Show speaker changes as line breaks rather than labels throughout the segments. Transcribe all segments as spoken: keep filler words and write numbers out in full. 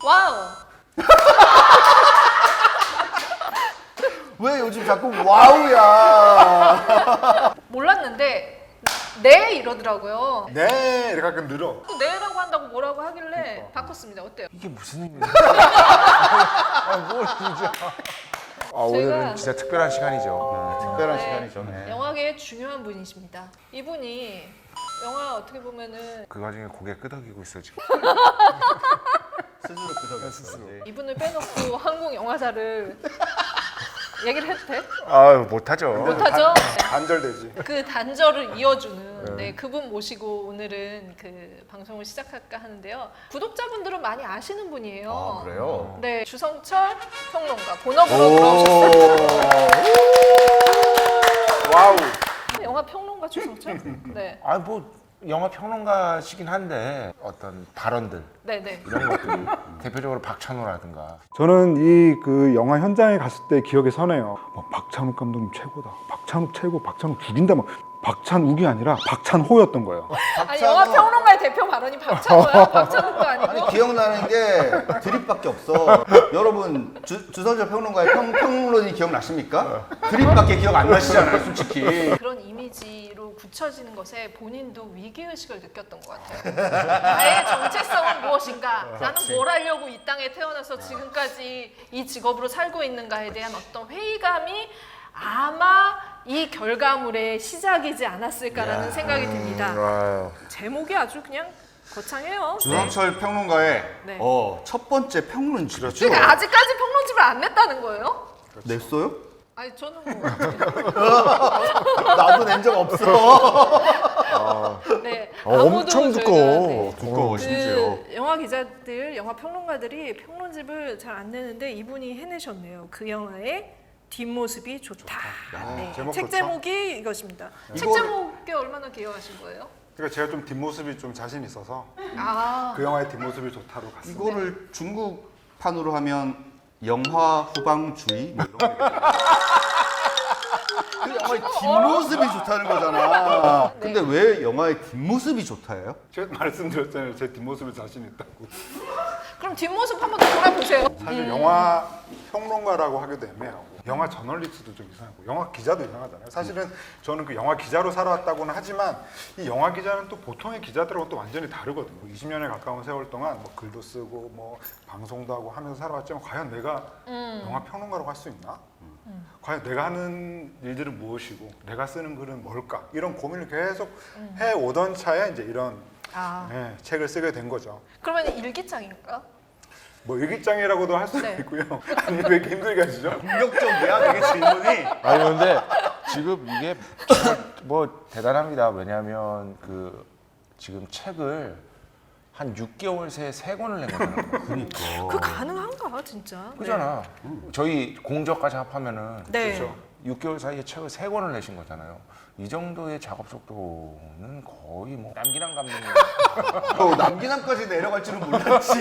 와우.
왜 요즘 자꾸 와우야?
몰랐는데 네 이러더라고요.
네 이렇게 가끔 늘어.
네라고 한다고 뭐라고 하길래
그러니까.
바꿨습니다. 어때요?
이게 무슨 의미야? 아, 뭘 진짜. 아, 오늘은 진짜 특별한 시간이죠.
특별한
네.
시간이죠. 네.
영화계의 중요한 분이십니다. 이분이 영화 어떻게 보면은
그 와중에 고개 끄덕이고 있어 지금.
스스로 그덕였어요. 네.
이분을 빼놓고 한국 영화사를 얘기를 해도 돼?
아, 못하죠.
못하죠?
단절되지.
그 단절을 이어주는 네, 그분 모시고 오늘은 그 방송을 시작할까 하는데요. 구독자분들은 많이 아시는 분이에요.
아 그래요?
네, 주성철 평론가 본업으로 들어오셨어요.
와우.
영화 평론가 주성철? 네,
아, 뭐 영화 평론가시긴 한데 어떤 발언들
네, 네.
이런 것들이 대표적으로 박찬호라든가.
저는 이 그 영화 현장에 갔을 때 기억에 서네요. 막 박찬욱 감독님 최고다. 박찬욱 최고. 박찬욱 죽인다. 막 박찬욱이 아니라 박찬호였던 거예요.
아니 영화 평론가의 대표 발언이 박찬호야? 박찬욱도 아니고?
아니 기억나는 게 드립밖에 없어. 여러분 주, 주선철 평론가의 평, 평론이 기억나십니까? 드립밖에 기억 안 나시잖아요, 솔직히.
그런 이미지로 굳혀지는 것에 본인도 위기의식을 느꼈던 것 같아요. 나의 정체성은 무엇인가? 나는 뭘 하려고 이 땅에 태어나서 지금까지 이 직업으로 살고 있는가에 대한 어떤 회의감이 아마 이 결과물의 시작이지 않았을까라는 생각이 듭니다.
아유.
제목이 아주 그냥 거창해요. 네.
주선철 평론가의
네.
어, 첫 번째 평론집이죠.
그러니까 아직까지 평론집을 안 냈다는 거예요?
냈어요?
아니 저는 뭐
나도 낸 적 없어.
네,
어,
아무도
엄청
저희가,
두꺼워.
네.
두꺼워 심지어.
그 영화 기자들, 영화 평론가들이 평론집을 잘 안 내는데 이분이 해내셨네요. 그 영화의 뒷모습이 좋다. 네.
제목
책
좋죠?
제목이 이것입니다. 책
이거를-
제목에 얼마나 기여하신 거예요?
그러니까 제가 좀 뒷모습이 좀 자신 있어서
아,
그 영화의 뒷모습이 좋다로 갔습니다.
이거를 중국판으로 하면 영화 후방주의 뭐 이런 거. 그 영화의 뒷모습이 좋다는 거잖아.
네.
근데 왜 영화의 뒷모습이 좋다예요?
제가 말씀드렸잖아요. 제 뒷모습이 자신 있다고.
그럼 뒷모습 한번 더 돌아보세요.
사실 영화 평론가라고 하기도 애매하고 영화 저널리스트도 좀 이상하고 영화 기자도 이상하잖아요. 사실은 저는 그 영화 기자로 살아왔다고는 하지만 이 영화 기자는 또 보통의 기자들하고 또 완전히 다르거든요. 이십 년에 가까운 세월 동안 뭐 글도 쓰고 뭐 방송도 하고 하면서 살아왔지만 과연 내가
음.
영화 평론가라고 할 수 있나? 과연 내가 하는 일들은 무엇이고 내가 쓰는 글은 뭘까? 이런 고민을 계속 해오던 차에 이제 이런
아,
네, 책을 쓰게 된 거죠.
그러면 일기장인가?
뭐 일기장이라고도 할 수도
네.
있고요. 아니 왜 이렇게 힘들게 하시죠?
공격적이야 되게 질문이.
아니 근데 지금 이게 정말 뭐 대단합니다. 왜냐하면 그 지금 책을 한 육 개월 새에 세 권을 낸 거잖아요.
그러니까.
그 가능한가 진짜?
그잖아. 저희 공저까지 합하면은
네.
그렇죠.
육 개월 사이에 책을 세 권을 내신 거잖아요. 이 정도의 작업 속도는 거의 뭐 남기랑 감독님.
어, 남기남까지 내려갈 줄은 몰랐지.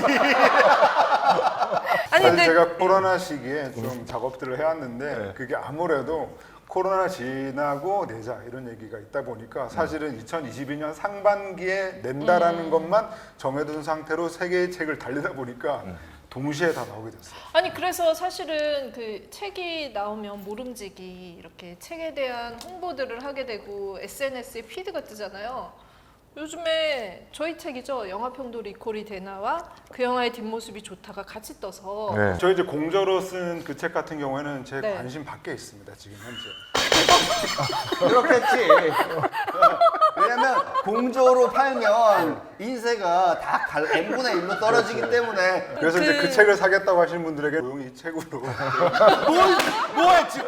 아니
사실
근데
제가 코로나 시기에 좀 작업들을 해왔는데 그게 아무래도 코로나 지나고 내자 이런 얘기가 있다 보니까 사실은 이천이십이 년 상반기에 낸다라는 것만 정해둔 상태로 세 개의 책을 달리다 보니까 동시에 다 나오게 됐어요.
아니 그래서 사실은 그 책이 나오면 모름지기 이렇게 책에 대한 홍보들을 하게 되고 에스엔에스에 피드가 뜨잖아요. 요즘에 저희 책이죠. 영화평도 리콜이 되나와 그 영화의 뒷모습이 좋다가 같이 떠서
네.
저 이제 공저로 쓴 그 책 같은 경우에는 제
네.
관심 밖에 있습니다. 지금 현재.
그렇겠지. 왜냐면 공조로 팔면 인세가 다 n분의 일로 떨어지기 때문에.
그래서 이제 그 책을 사겠다고 하시는 분들에게 조용히 이 책으로
뭐야 지금.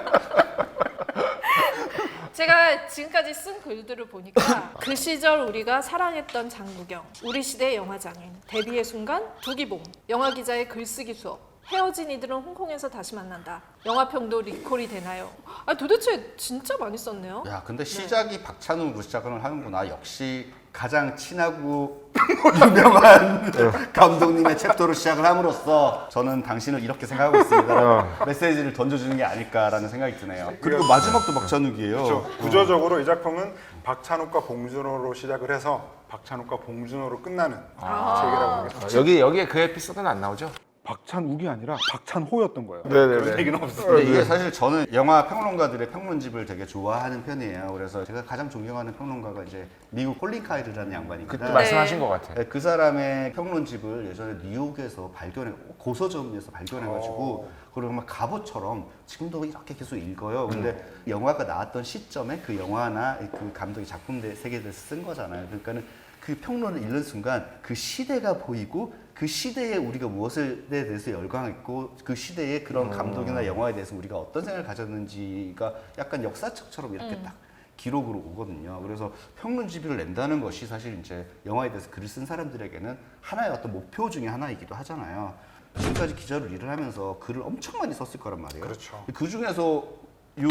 제가 지금까지 쓴 글들을 보니까 그 시절 우리가 사랑했던 장국영, 우리 시대 영화장인, 데뷔의 순간, 두기봉, 영화 기자의 글쓰기 수업, 헤어진 이들은 홍콩에서 다시 만난다, 영화평도 리콜이 되나요? 아 도대체 진짜 많이 썼네요.
야 근데 시작이 박찬욱으로 시작을 하는구나. 역시 가장 친하고 유명한 감독님의 챕터로 시작을 함으로써 저는 당신을 이렇게 생각하고 있습니다. 메시지를 던져주는 게 아닐까라는 생각이 드네요. 그리고 마지막도 박찬욱이에요.
그렇죠. 구조적으로 이 작품은 박찬욱과 봉준호로 시작을 해서 박찬욱과 봉준호로 끝나는
아.
책이라고 하겠습니다.
여기 여기에 그 에피소드는 안 나오죠?
박찬욱이 아니라 박찬호였던 거예요.
그런 얘기는 없습니다.
근데 이게 사실 저는 영화 평론가들의 평론집을 되게 좋아하는 편이에요. 그래서 제가 가장 존경하는 평론가가 이제 미국 콜린 카이르라는 양반입니다.
그때
네.
말씀하신 것 같아요.
네, 그 사람의 평론집을 예전에 뉴욕에서 발견해 고서점에서 발견해가지고
오.
그리고 막 갑옷처럼 지금도 이렇게 계속 읽어요. 근데 영화가 나왔던 시점에 그 영화나 그 감독의 작품 세계를 쓴 거잖아요. 그러니까는 그 평론을 읽는 순간 그 시대가 보이고 그 시대에 우리가 무엇에 대해서 열광했고 그 시대의 그런 감독이나 영화에 대해서 우리가 어떤 생각을 가졌는지가 약간 역사책처럼 이렇게
음.
딱 기록으로 오거든요. 그래서 평론집을 낸다는 것이 사실 이제 영화에 대해서 글을 쓴 사람들에게는 하나의 어떤 목표 중에 하나이기도 하잖아요. 지금까지 기자로 일을 하면서 글을 엄청 많이 썼을 거란 말이에요.
그렇죠.
그 중에서 요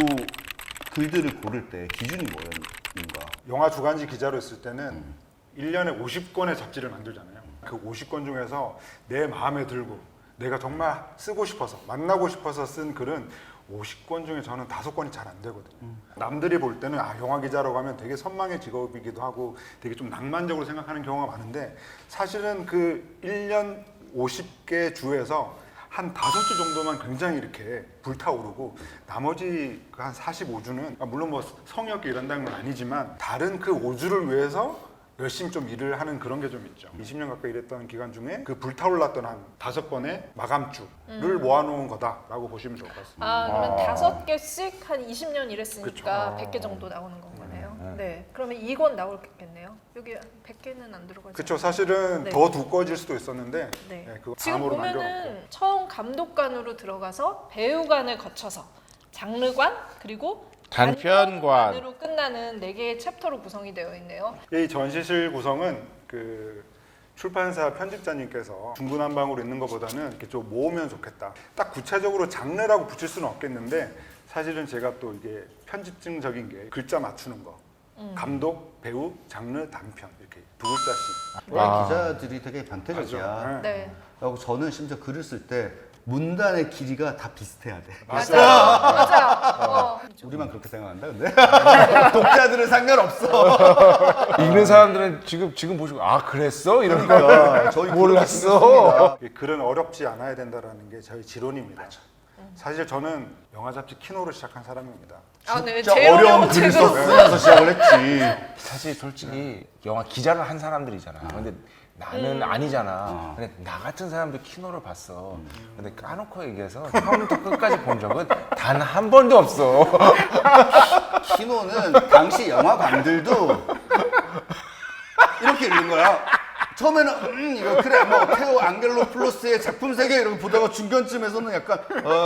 글들을 고를 때 기준이 뭐였는가?
영화 주간지 기자로 있을 때는 일 년에 오십 권의 잡지를 만들잖아요. 그 오십 권 중에서 내 마음에 들고 내가 정말 쓰고 싶어서 만나고 싶어서 쓴 글은 오십 권 중에 저는 다섯 권이 잘 안 되거든요.
음.
남들이 볼 때는 아 영화 기자라고 하면 되게 선망의 직업이기도 하고 되게 좀 낭만적으로 생각하는 경우가 많은데 사실은 그 일 년 오십 개 주에서 한 다섯 주 정도만 굉장히 이렇게 불타오르고 나머지 그 한 사십오 주는 물론 뭐 성의 없게 일한다는 건 아니지만 다른 그 오 주를 위해서 열심히 좀 일을 하는 그런 게 좀 있죠. 이십 년 가까이 일했던 기간 중에 그 불타올랐던 한 다섯 번의 마감주를
음.
모아놓은 거다라고 보시면 좋을 것 같습니다.
아, 그러면
아.
다섯 개씩 한 이십 년 일했으니까
그쵸.
백 개 정도 나오는 건 거네요.
음.
네. 그러면 이 권 나올겠네요. 여기 백 개는 안 들어가죠.
그렇죠. 사실은
네.
더 두꺼워질 수도 있었는데
네.
네, 그거
지금
다음으로
보면은
남겨놓고.
처음 감독관으로 들어가서 배우관을 거쳐서 장르관 그리고
단편관.
으로 끝나는 네 개의 챕터로 구성이 되어 있네요.
이 전시실 구성은 그 출판사 편집자님께서 중구난방으로 있는 것보다는 이렇게 좀 모으면 좋겠다. 딱 구체적으로 장르라고 붙일 수는 없겠는데 사실은 제가 또 이게 편집증적인 게 글자 맞추는 거.
음.
감독, 배우, 장르, 단편 이렇게 두 글자씩.
왜
아.
기자들이 되게 변태적이야.
맞아.
네.
그리고 저는 심지어 글을 쓸 때 문단의 길이가 다 비슷해야 돼.
맞아요.
맞아요. 맞아요. 어.
우리만 그렇게 생각한다, 근데 독자들은 상관없어.
읽는 사람들은 지금 지금 보시고 아 그랬어 이런 거
그러니까 저희
몰랐어.
이 글은 어렵지 않아야 된다라는 게 저희 지론입니다. 사실 저는 영화 잡지 키노를 시작한 사람입니다.
아, 네.
진짜
제일
어려운
어려운
글을
책으로.
쓰면서 시작을 했지.
사실 솔직히 영화 기자를 한 사람들이잖아. 근데 나는 아니잖아. 근데 나 같은 사람도 키노를 봤어. 근데 까놓고 얘기해서 처음부터 끝까지 본 적은 단 한 번도 없어.
키노는 당시 영화관들도 이렇게 읽는 거야. 처음에는 음 이거 그래 뭐 테오 앙겔로플로스의 작품 세계 이러고 보다가 중간쯤에서는 약간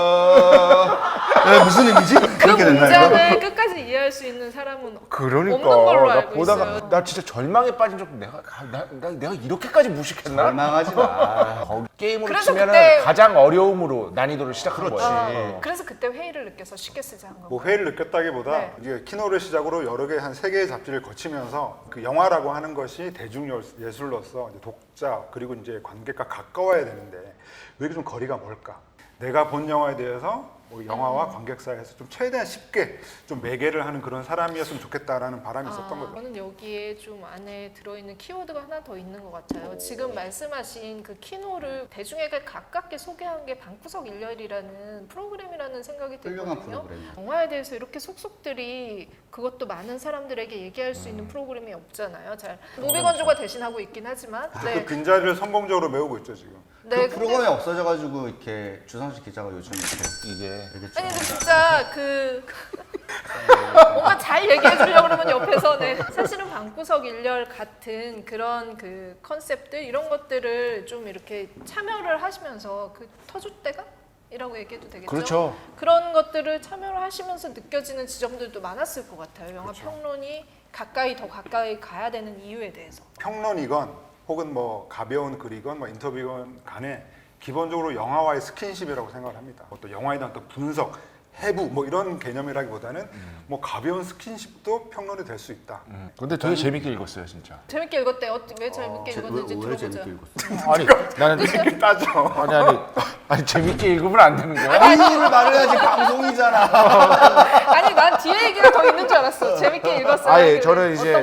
어 에, 무슨 의미지?
그
그렇게 된다 이거.
문장을 끝까지 이해할 수 있는 사람은
그러니까
없는 걸로
나
알고
보다가
있어요.
나 진짜 절망에 빠진 적 내가 아, 나, 나 내가 이렇게까지 무식했나?
절망하지 마.
거기 게임으로
그래서
치면은
그때-
가장 어려움으로 난이도를 시작한
그렇지.
거지.
어, 그래서 그때 회의를 느껴서 쉽게 쓰자 한
뭐
거고.
회의를 느꼈다기보다
네.
이제 키노를 시작으로 여러 개 한 세 개의 잡지를 거치면서 그 영화라고 하는 것이 대중 예술로서 이제 독자 그리고 이제 관객과 가까워야 되는데 왜 이렇게 좀 거리가 멀까? 내가 본 영화에 대해서 뭐 영화와 관객 사이에서 좀 최대한 쉽게 좀 매개를 하는 그런 사람이었으면 좋겠다라는 바람이 있었던
아,
거죠.
저는 여기에 좀 안에 들어있는 키워드가 하나 더 있는 것 같아요. 지금 말씀하신 그 키노를 대중에게 가깝게 소개한 게 방구석 일렬이라는 프로그램이라는 생각이
훌륭한
들거든요.
프로그램이야.
영화에 대해서 이렇게 속속들이 그것도 많은 사람들에게 얘기할 수
음.
있는 프로그램이 없잖아요. 잘 무비건조가 대신하고 있긴 하지만.
그
네.
빈자리를 성공적으로 메우고 있죠 지금.
네,
그
근데-
프로그램이 없어져가지고 이렇게 주상식 기자가 요즘 이렇게
이게
얘기했죠.
아니 근데 진짜 그 뭔가 잘 얘기해 주려고 그러면 옆에서 네. 사실은 방구석 일렬 같은 그런 그 컨셉들 이런 것들을 좀 이렇게 참여를 하시면서 그 터줏대감 이라고 얘기해도 되겠죠?
그렇죠.
그런 것들을 참여를 하시면서 느껴지는 지점들도 많았을 것 같아요. 영화
그렇죠.
평론이 가까이 더 가까이 가야 되는 이유에 대해서.
평론이건 혹은 뭐 가벼운 글이건 뭐 인터뷰건 간에 기본적으로 영화와의 스킨십이라고 생각을 합니다. 뭐 또 영화에 대한 어떤 분석, 해부 뭐 이런 개념이라기보다는 뭐 가벼운 스킨십도 평론이 될 수 있다.
음, 근데 되게 재밌게 읽었어요 진짜.
재밌게 읽었대. 어, 왜 재밌게
제-
읽었는지
왜, 왜
들어보자.
재밌게 읽었어?
아니 나는
이렇게 따져.
아니 아니 아니 재밌게 읽으면 안 되는 거야?
이유를 말해야지 방송이잖아.
아니 난 뒤에 얘기가 더 있는 줄 알았어. 재밌게 읽었어요.
아예
그래.
저는 이제
어떤 부분인지.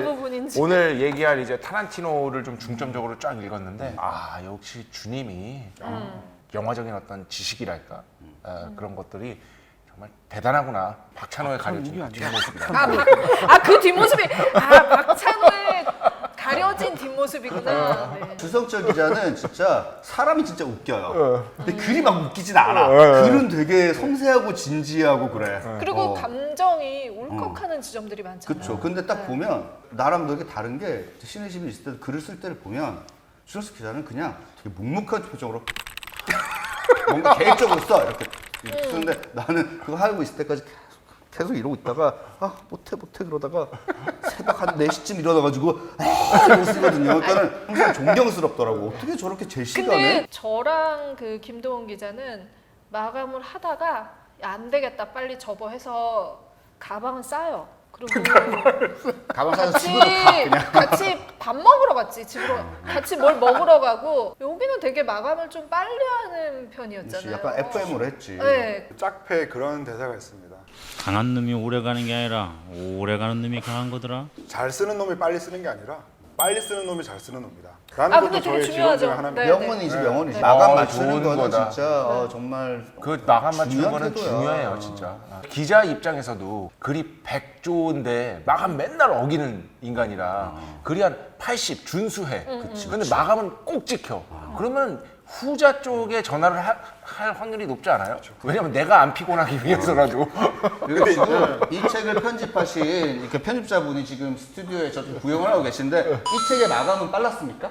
뭔지.
오늘 얘기할 이제 타란티노를 좀 중점적으로 쫙 읽었는데 아 역시 주님이
음.
영화적인 어떤 지식이랄까 어, 그런 것들이 정말 대단하구나. 박찬호의 가려진 뒷모습이다.
아 그 뒷모습이 아 박찬호의 가려진 뒷모습이구나. 네.
주성철 기자는 진짜 사람이 진짜 웃겨요. 근데 글이 막 웃기진 않아.
어.
글은 되게 섬세하고 진지하고 그래.
그리고
어.
감정이 울컥하는 지점들이 많잖아요.
그렇죠. 근데 딱
네.
보면 나랑 되게 다른 게 신의심이 있을 때 글을 쓸 때를 보면 주성철 기자는 그냥 되게 묵묵한 표정으로 뭔가 계획적으로 써 이렇게 쓰는데 나는 그거 하고 있을 때까지 계속 이러고 있다가 아 못해 못해 그러다가 새벽 한 네 시쯤 일어나가지고 아 이러고 쓰거든요. 그러니까는 항상 존경스럽더라고. 어떻게 저렇게 제 시간에
근데 저랑 그 김도원 기자는 마감을 하다가 야, 안 되겠다 빨리 접어 해서 가방은 싸요. 그리고
가방 사서
같이
집으로 가 그냥.
같이 밥 먹으러 갔지. 집으로 같이 뭘 먹으러 가고 여기는 되게 마감을 좀 빨리 하는 편이었잖아요.
약간 에프엠으로 했지.
네.
짝패에 그런 대사가 있습니다.
강한 놈이 오래 가는 게 아니라 오래 가는 놈이 강한 거더라.
잘 쓰는 놈이 빨리 쓰는 게 아니라 빨리 쓰는 놈이 잘 쓰는 놈이다. 라는
아,
것도
근데 되게
저의 지론 중에
중요하죠.
하나입니다.
네.
명언이지 명언이지.
네.
마감
어,
맞추는
좋은
거는
거다.
진짜 어, 정말
그 마감 맞추는
중요한
거는
태도야.
중요해요, 진짜. 기자 입장에서도 글이 백 조인데 마감 맨날 어기는 인간이라 글이 한 팔십 준수해. 근데 마감은 꼭 지켜. 그러면 후자 쪽에 전화를 하- 할 확률이 높지 않아요? 왜냐면 내가 안 피곤하기 위해서라도.
그리고 지금 이 책을 편집하신 이렇게 편집자분이 지금 스튜디오에 저 구경을 하고 계신데 이 책의 마감은 빨랐습니까?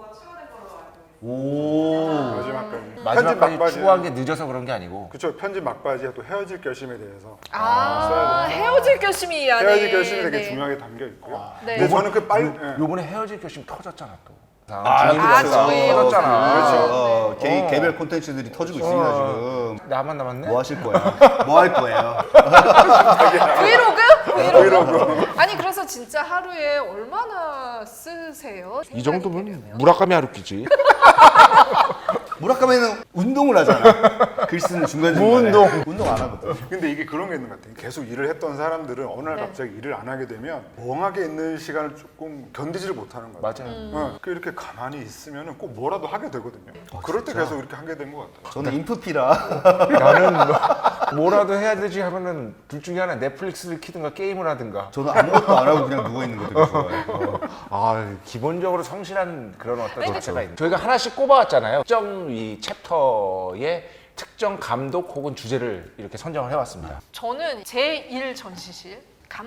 오.
마지막까지. 편집
마지막까지
막바지.
추구한 게 늦어서 그런 게 아니고.
그렇죠. 편집 막바지에 또 헤어질 결심에 대해서
아, 헤어질 결심이 이 안에
헤어질 결심이 되게
네.
중요하게 담겨 있고요.
네.
근데 저는 그 빨리 예.
요번에 헤어질 결심 터졌잖아 또.
아,
아, 저희
터졌잖아.
그렇죠. 어, 개,
어.
개별 콘텐츠들이 터지고 있습니다 지금.
나만 남았네.
뭐 하실 거예요? 뭐 할 거예요?
브이로그? 브이로그? 아니 그래서 진짜 하루에 얼마나 쓰세요?
이 정도면 무라카미 하루키지.
무라카미는 운동을 하잖아. 글 쓰는 중간중간에.
운동.
운동 안 하거든.
근데 이게 그런 게 있는 것 같아요. 계속 일을 했던 사람들은 어느 날
네.
갑자기 일을 안 하게 되면 멍하게 있는 시간을 조금 견디지를 못하는 거예요.
맞아요.
어, 그 이렇게 가만히 있으면 꼭 뭐라도 하게 되거든요. 그럴 때 계속 이렇게 하게 된 것 같아요.
저는 인프피라.
나는 뭐, 뭐라도 해야 되지 하면은 둘 중에 하나 넷플릭스를 키든가 게임을 하든가.
저는 아무것도 안 하고 그냥 누워 있는 거 되게 좋아해요. 어.
아 기본적으로 성실한 그런 어떤 자체가 있는. 저희가 하나씩 꼽아왔잖아요. 특정 이 챕터의 특정 감독 혹은 주제를 이렇게 선정을 해왔습니다.
저는 제일 전시실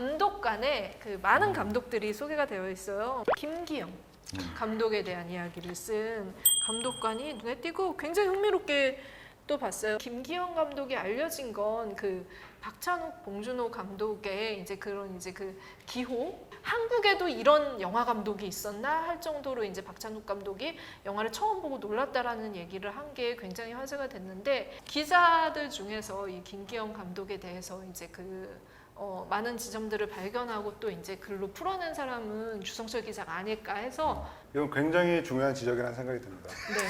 감독관에 그 많은 감독들이 소개가 되어 있어요. 김기영 감독에 대한 이야기를 쓴 감독관이 눈에 띄고 굉장히 흥미롭게 또 봤어요. 김기영 감독이 알려진 건 그 박찬욱, 봉준호 감독의 이제 그런 이제 그 기호. 한국에도 이런 영화 감독이 있었나 할 정도로 이제 박찬욱 감독이 영화를 처음 보고 놀랐다라는 얘기를 한 게 굉장히 화제가 됐는데 기자들 중에서 이 김기영 감독에 대해서 이제 그 어, 많은 지점들을 발견하고 또 이제 글로 풀어낸 사람은 주성철 기자가 아닐까 해서
이건 굉장히 중요한 지적이라는 생각이 듭니다.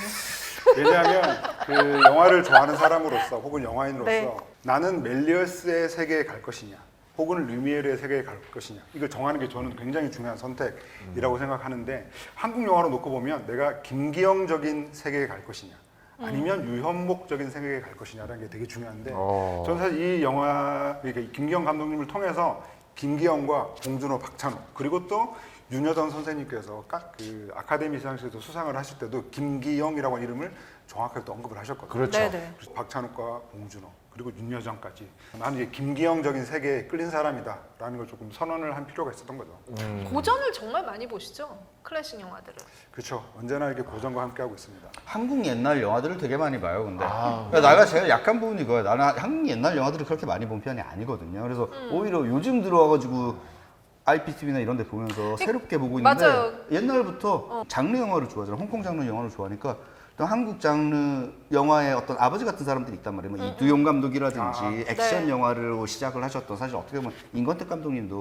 네.
왜냐하면 그 영화를 좋아하는 사람으로서 혹은 영화인으로서
네.
나는 멜리어스의 세계에 갈 것이냐 혹은 류미에르의 세계에 갈 것이냐 이걸 정하는 게 저는 굉장히 중요한 선택이라고 생각하는데 한국 영화로 놓고 보면 내가 김기영적인 세계에 갈 것이냐 아니면 유현목적인 세계에 갈 것이냐라는 게 되게 중요한데
어.
저는 사실 이 영화 그러니까 김기영 감독님을 통해서 김기영과 봉준호, 박찬호 그리고 또 윤여정 선생님께서 각 그 아카데미 시상식에서 수상을 하실 때도 김기영이라고 하는 이름을 정확하게 또 언급을 하셨거든요.
그렇죠.
네네.
그래서 박찬욱과 봉준호 그리고 윤여정까지 나는 이제 김기영적인 세계에 끌린 사람이다라는 걸 조금 선언을 한 필요가 있었던 거죠.
고전을 정말 많이 보시죠? 클래식 영화들을.
그렇죠. 언제나 이렇게 고전과 함께 하고 있습니다.
한국 옛날 영화들을 되게 많이 봐요. 근데
아.
그러니까 내가 제일 약한 부분이 이거예요. 나는 한국 옛날 영화들을 그렇게 많이 본 편이 아니거든요. 그래서
음.
오히려 요즘 들어와가지고 아이피티비나 이런 데 보면서 새롭게 보고 있는데
맞아요.
옛날부터
어.
장르 영화를 좋아하잖아. 홍콩 장르 영화를 좋아하니까 또 한국 장르 영화의 어떤 아버지 같은 사람들이 있단 말이에요. 뭐 이두용 감독이라든지
아.
액션
네.
영화를 시작을 하셨던 사실 어떻게 보면 임권택 감독님도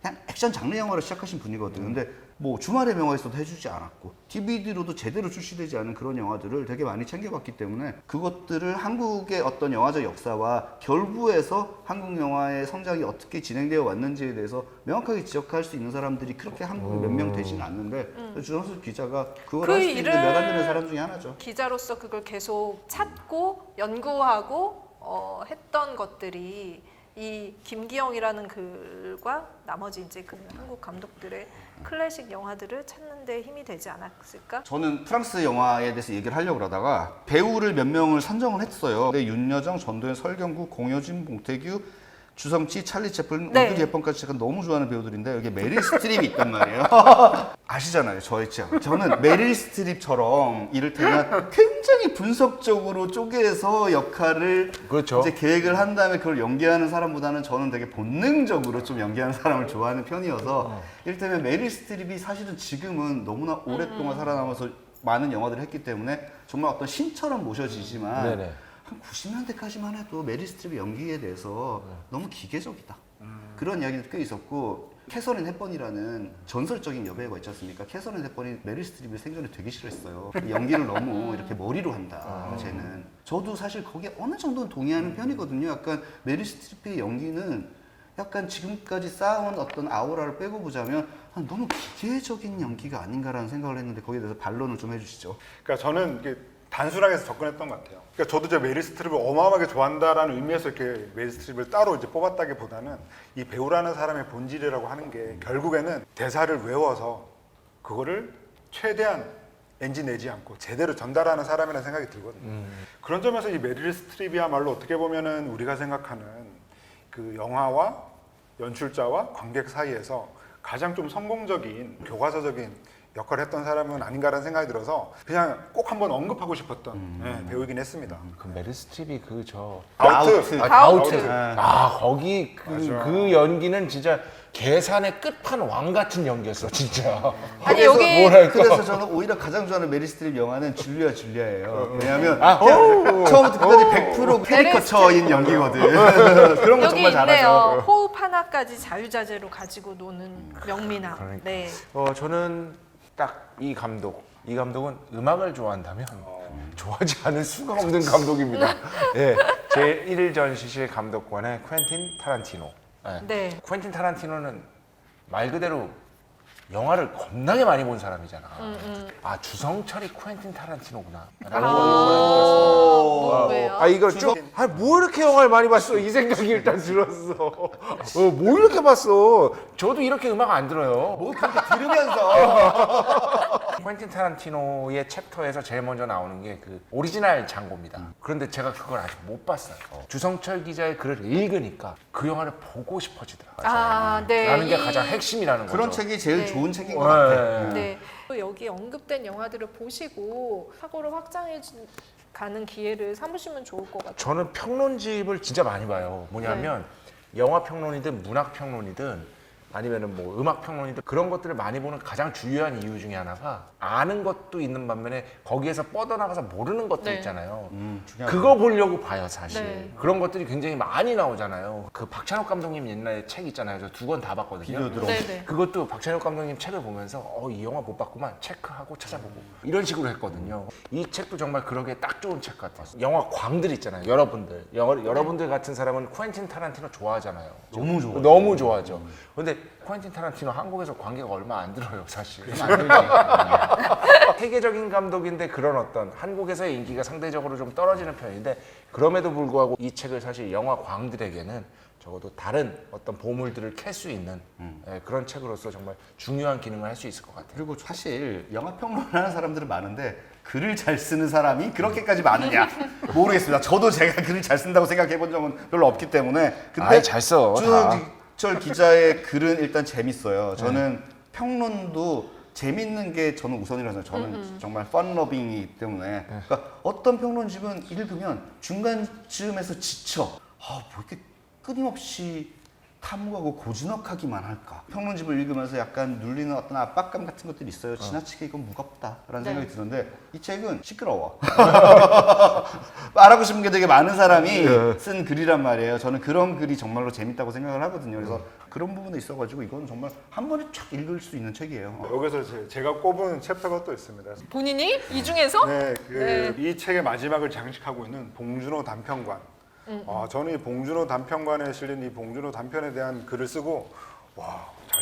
그냥 액션 장르 영화를 시작하신 분이거든. 근데 뭐 주말의 명화에서도 해주지 않았고 디비디로도 제대로 출시되지 않은 그런 영화들을 되게 많이 챙겨봤기 때문에 그것들을 한국의 어떤 영화적 역사와 결부해서 한국 영화의 성장이 어떻게 진행되어 왔는지에 대해서 명확하게 지적할 수 있는 사람들이 그렇게 한국에 몇 명 되지는 않는데 주정수 기자가 그걸
그
할 수 있는
일을
몇 안 되는 사람 중에 하나죠.
기자로서 그걸 계속 찾고 연구하고 어, 했던 것들이 이 김기영이라는 글과 나머지 이제 그 한국 감독들의 클래식 영화들을 찾는 데 힘이 되지 않았을까?
저는 프랑스 영화에 대해서 얘기를 하려고 그러다가 배우를 몇 명을 선정을 했어요. 근데 윤여정, 전도연, 설경구, 공효진, 봉태규, 주성치, 찰리 채플린,
네.
오드리 헵번까지 제가 너무 좋아하는 배우들인데 여기 메릴 스트립이 있단 말이에요. 아시잖아요, 저의 취향. 저는 메릴 스트립처럼 이를테면 굉장히 분석적으로 쪼개서 역할을
그렇죠.
이제 계획을 한 다음에 그걸 연기하는 사람보다는 저는 되게 본능적으로 좀 연기하는 사람을 좋아하는 편이어서 이를테면 메릴 스트립이 사실은 지금은 너무나 오랫동안 살아남아서 많은 영화들을 했기 때문에 정말 어떤 신처럼 모셔지지만
네네.
한 구십 년대까지만 해도 메릴 스트립의 연기에 대해서 너무 기계적이다. 그런 이야기도 꽤 있었고 캐서린 헵번이라는 전설적인 여배우가 있지 않습니까? 캐서린 헵번이 메릴 스트립을 생전에 되게 싫어했어요. 연기를 너무 이렇게 머리로 한다, 쟤는. 저도 사실 거기에 어느 정도는 동의하는 편이거든요. 약간 메릴 스트립의 연기는 약간 지금까지 쌓아온 어떤 아우라를 빼고 보자면 너무 기계적인 연기가 아닌가라는 생각을 했는데 거기에 대해서 반론을 좀 해주시죠.
그러니까 저는 이게 단순하게 해서 접근했던 것 같아요. 그러니까 저도 저 메릴 스트립을 어마어마하게 좋아한다라는 의미에서 이렇게 메릴 스트립을 따로 이제 뽑았다기보다는 이 배우라는 사람의 본질이라고 하는 게 결국에는 대사를 외워서 그거를 최대한 엔지 내지 않고 제대로 전달하는 사람이라는 생각이 들거든요.
음.
그런 점에서 이 메릴 스트립이야말로 어떻게 보면은 우리가 생각하는 그 영화와 연출자와 관객 사이에서 가장 좀 성공적인 교과서적인 역할을 했던 사람은 아닌가라는 생각이 들어서 그냥 꼭 한번 언급하고 싶었던
음.
네, 배우이긴 했습니다.
그 메릴 스트립이 그 저
아우트.
아,
가우트.
가우트. 아 거기 그,
맞아.
그 연기는 진짜 계산의 끝판왕 같은 연기였어 진짜.
아니
그래서
여기
뭐랄까.
그래서 저는 오히려 가장 좋아하는 메릴 스트립 영화는 줄리아 줄리아예요. 왜냐하면
아,
그냥 처음부터 끝까지 백 퍼센트 캐리커처인 연기거든. 그런 거
여기
정말
있네요.
잘하죠.
호흡 하나까지 자유자재로 가지고 노는 명민아.
그러니까.
네.
어 저는 딱 이 감독, 이 감독은 음악을 좋아한다면 좋아하지 않을 수가 없는 감독입니다. 예, 제일 전시실 감독관의 퀸틴 타란티노. 예.
네.
퀸틴 타란티노는 말 그대로 영화를 겁나게 많이 본 사람이잖아. 아 주성철이 퀸틴 타란티노구나. 라는 걸 이번에 느꼈어요.
뭐, 왜요?
아 이거 좀아뭐 이렇게 영화를 많이 봤어 이 생각이 일단 들었어. 어, 뭐 이렇게 봤어? 저도 이렇게 음악 안 들어요.
뭐 그렇게 들으면서
퀸틴 타란티노의 챕터에서 제일 먼저 나오는 게 그 오리지널 장고입니다. 그런데 제가 그걸 아직 못 봤어요. 주성철 기자의 글을 읽으니까 그 영화를 보고 싶어지더라고요.
아, 네.
라는 게
이-
가장 핵심이라는 거죠.
그런 책이 제일
네.
좋은 책인 것
네.
같아.
네. 또 여기 언급된 영화들을 보시고 사고를 확장해 주- 가는 기회를 삼으시면 좋을 것 같아요.
저는 평론집을 진짜 많이 봐요. 뭐냐면 영화 평론이든 문학 평론이든 아니면은 뭐 음악 평론이든 그런 것들을 많이 보는 가장 중요한 이유 중에 하나가 아는 것도 있는 반면에 거기에서 뻗어나가서 모르는 것도
네.
있잖아요.
음, 중요하죠.
그거 보려고 봐요, 사실.
네.
그런 것들이 굉장히 많이 나오잖아요. 그 박찬욱 감독님 옛날에 책 있잖아요. 저 두 권 다 봤거든요.
비디오드로.
네네.
그것도 박찬욱 감독님 책을 보면서 어, 이 영화 못 봤구만 체크하고 찾아보고 이런 식으로 했거든요. 이 책도 정말 그러기에 딱 좋은 책 같아요. 영화 광들 있잖아요. 여러분들. 영화, 여러분들 같은 사람은 퀸틴 타란티노 좋아하잖아요.
너무 좋아하죠.
너무 좋아하죠. 근데 퀸틴 타란티노 한국에서 관계가 얼마 안 들어요, 사실. 세계적인 감독인데 그런 어떤 한국에서의 인기가 상대적으로 좀 떨어지는 편인데 그럼에도 불구하고 이 책을 사실 영화 광들에게는 적어도 다른 어떤 보물들을 캘 수 있는 예, 그런 책으로서 정말 중요한 기능을 할 수 있을 것 같아요.
그리고 사실 영화 평론을 하는 사람들은 많은데 글을 잘 쓰는 사람이 그렇게까지 많으냐 모르겠습니다. 저도 제가 글을 잘 쓴다고 생각해 본 적은 별로 없기 때문에 근데
아이, 잘 써, 다.
주정철 기자의 글은 일단 재밌어요. 저는 평론도 재밌는 게 저는 우선이라서 저는 정말 펀러빙이기 때문에 그러니까 어떤 평론집은 읽으면 중간쯤에서 지쳐. 아, 뭐 이렇게 끊임없이 탐구하고 고즈넉하기만 할까? 평론집을 읽으면서 약간 눌리는 어떤 압박감 같은 것들이 있어요. 지나치게 이건 무겁다라는
네.
생각이 드는데 이 책은 시끄러워. 말하고 싶은 게 되게 많은 사람이 쓴 글이란 말이에요. 저는 그런 글이 정말로 재밌다고 생각을 하거든요. 그래서 그런 부분에 있어가지고 이건 정말 한 번에 쫙 읽을 수 있는 책이에요.
여기서 제- 제가 꼽은 챕터가 또 있습니다.
본인이 이 중에서
네, 그,
네.
이 책의 마지막을 장식하고 있는 봉준호 단편관. 아, 저는 이 봉준호 단편관에 실린 이 봉준호 단편에 대한 글을 쓰고 와, 잘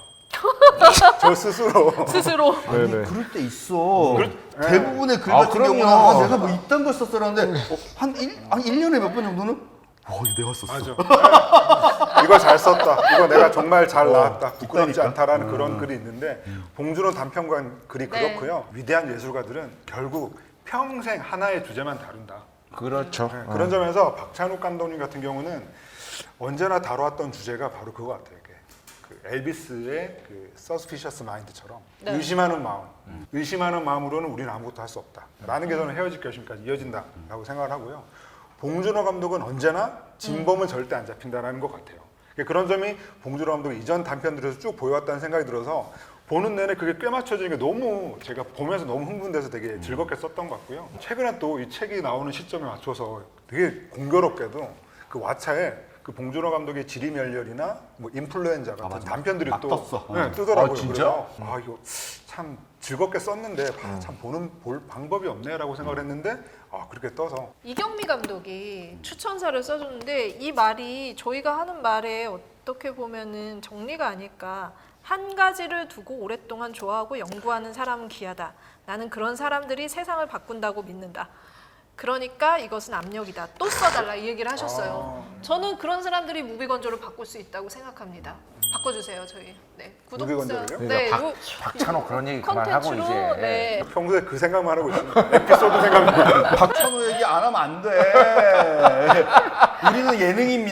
썼다. 저 스스로.
스스로
아니 그럴 때 있어. 대부분의 글
아,
같은
그럼요.
경우는 아, 내가 뭐 이딴 걸 썼었는데 어, 한 일, 한 일 년에 몇 번 정도는 와 이거 내가 썼어.
맞아. 네. 이거 잘 썼다. 이거 내가 정말 잘 나왔다. 부끄럽지
있다니까.
않다라는 그런 글이 있는데 봉준호 단편관 글이
네.
그렇고요. 위대한 예술가들은 결국 평생 하나의 주제만 다룬다.
그렇죠.
네, 그런 점에서 박찬욱 감독님 같은 경우는 언제나 다뤄왔던 주제가 바로 그거 같아요. 이게 그 엘비스의 그 Suspicious Mind처럼
네.
의심하는 마음, 의심하는 마음으로는 우리는 아무것도 할 수 없다라는 게 저는 헤어질 결심까지 이어진다라고 생각을 하고요. 봉준호 감독은 언제나 진범은 절대 안 잡힌다라는 것 같아요. 그런 점이 봉준호 감독 이전 단편들에서 쭉 보여왔다는 생각이 들어서 보는 내내 그게 꽤 맞춰지는 게 너무 제가 보면서 너무 흥분돼서 되게 즐겁게 썼던 것 같고요. 최근에 또 이 책이 나오는 시점에 맞춰서 되게 공교롭게도 그 왓챠에 그 봉준호 감독의 지리멸렬이나 뭐 인플루엔자 같은
맞아.
단편들이
막
또
떴어.
네,
어.
뜨더라고요.
아, 진짜?
그래서 아 이거 참 즐겁게 썼는데 아, 참 보는 볼 방법이 없네라고 생각을 했는데 아 그렇게 떠서
이경미 감독이 추천사를 써줬는데 이 말이 저희가 하는 말에 어떻게 보면은 정리가 아닐까. 한 가지를 두고 오랫동안 좋아하고 연구하는 사람은 귀하다. 나는 그런 사람들이 세상을 바꾼다고 믿는다. 그러니까 이것은 압력이다. 또 써달라 이 얘기를 하셨어요. 저는 그런 사람들이 무비건조를 바꿀 수 있다고 생각합니다. 바꿔주세요 저희. 네 구독자.
무비건조를요?
네
그러니까
요-
박찬호 그런 얘기 그만하고
컨텐츠로
이제.
네.
평소에 그 생각만 하고 있습니다. 에피소드 생각만.
박찬호 얘기 안 하면 안 돼. 우리는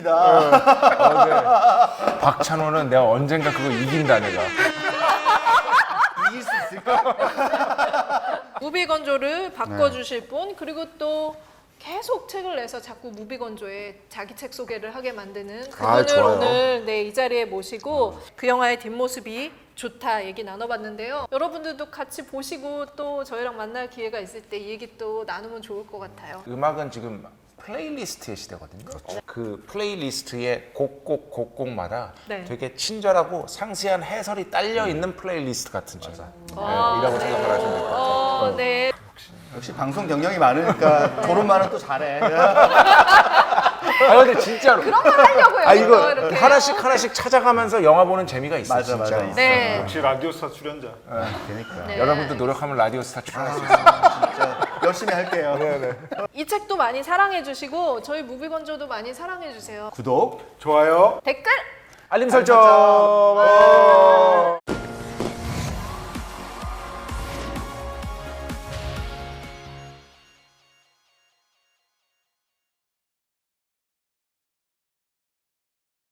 예능입니다.
박찬호는 내가 언젠가 그거 이긴다 내가.
이길 수 있을까?
무비건조를 바꿔주실 분 그리고 또 계속 책을 내서 자꾸 무비건조에 자기 책 소개를 하게 만드는 그분을
좋아요.
오늘 네, 이 자리에 모시고 그 영화의 뒷모습이 좋다 얘기 나눠봤는데요. 여러분들도 같이 보시고 또 저희랑 만날 기회가 있을 때 이 얘기 또 나누면 좋을 것 같아요.
음악은 지금 플레이리스트의 시대거든요. 그 플레이리스트의 곡곡 곡곡마다
네.
되게 친절하고 상세한 해설이 딸려 있는 플레이리스트 같은 책. 네,
아,
이라고
네.
생각을 하시면 될 것 같아요.
어, 네.
역시 방송 경력이 많으니까 토론만은 또 잘해.
아 근데 진짜로.
그런 걸 하려고요.
아 이거
이렇게.
하나씩 하나씩 찾아가면서 영화 보는 재미가 있어
맞아,
진짜.
맞아.
네.
역시 라디오스타 출연자.
그러니까
네.
여러분도 노력하면 라디오 스타 출연할 수 있어요.
진짜 열심히 할게요.
이 책도 많이 사랑해 주시고 저희 무비건조도 많이 사랑해 주세요.
구독.
좋아요.
댓글
알림 설정.